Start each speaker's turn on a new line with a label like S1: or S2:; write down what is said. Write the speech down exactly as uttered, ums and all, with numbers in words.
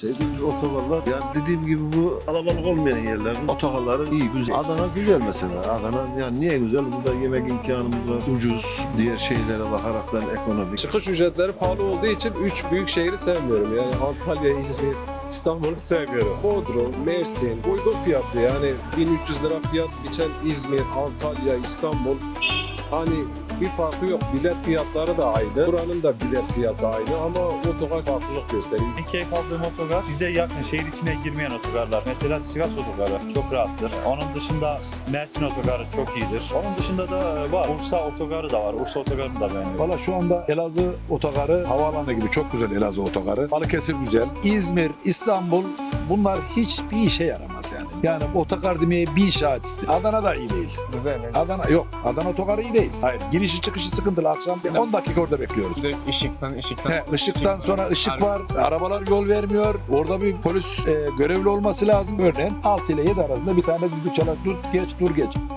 S1: Sevdiğimiz otogarlar, yani dediğim gibi bu kalabalık olmayan yerlerin otogarları iyi, güzel. Adana güzel mesela. Adana yani niye güzel? Burada yemek imkanımız var, ucuz. Diğer şeylere bakaraktan ekonomik.
S2: Çıkış ücretleri pahalı olduğu için üç büyük şehri sevmiyorum. Yani Antalya, İzmir, İstanbul'u sevmiyorum. Bodrum, Mersin uygun fiyatlı, yani bin üç yüz lira fiyat biçen İzmir, Antalya, İstanbul, hani bir farkı yok. Bilet fiyatları da aynı. Buranın da bilet fiyatı aynı ama otogar farklılık gösteriyor.
S3: En keyif aldığım otogar bize yakın, şehir içine girmeyen otogarlar. Mesela Sivas otogarı çok rahattır. Onun dışında Mersin otogarı çok iyidir. Onun dışında da var. Bursa otogarı da var. Bursa otogarını da beğeniyorum.
S4: Valla şu anda Elazığ otogarı havaalanı gibi çok güzel Elazığ otogarı. Balıkesir güzel. İzmir, İstanbul bunlar hiçbir işe yaramaz yani. Yani otogar demeye bin şahit istiyor. Adana da iyi değil.
S5: Güzel mi?
S4: Adana yok. Adana otogarı iyi değil. Hayır. Girişi çıkışı sıkıntılı. Akşam on dakika orada bekliyoruz.
S5: Bir de ışıktan, ışıktan.
S4: He, ışıktan sonra ışık
S5: Harbi.
S4: var. Arabalar yol vermiyor. Orada bir polis e, görevli olması lazım. Örneğin altı ile yedi arasında bir tane düdük çalar. Dur geç, dur geç.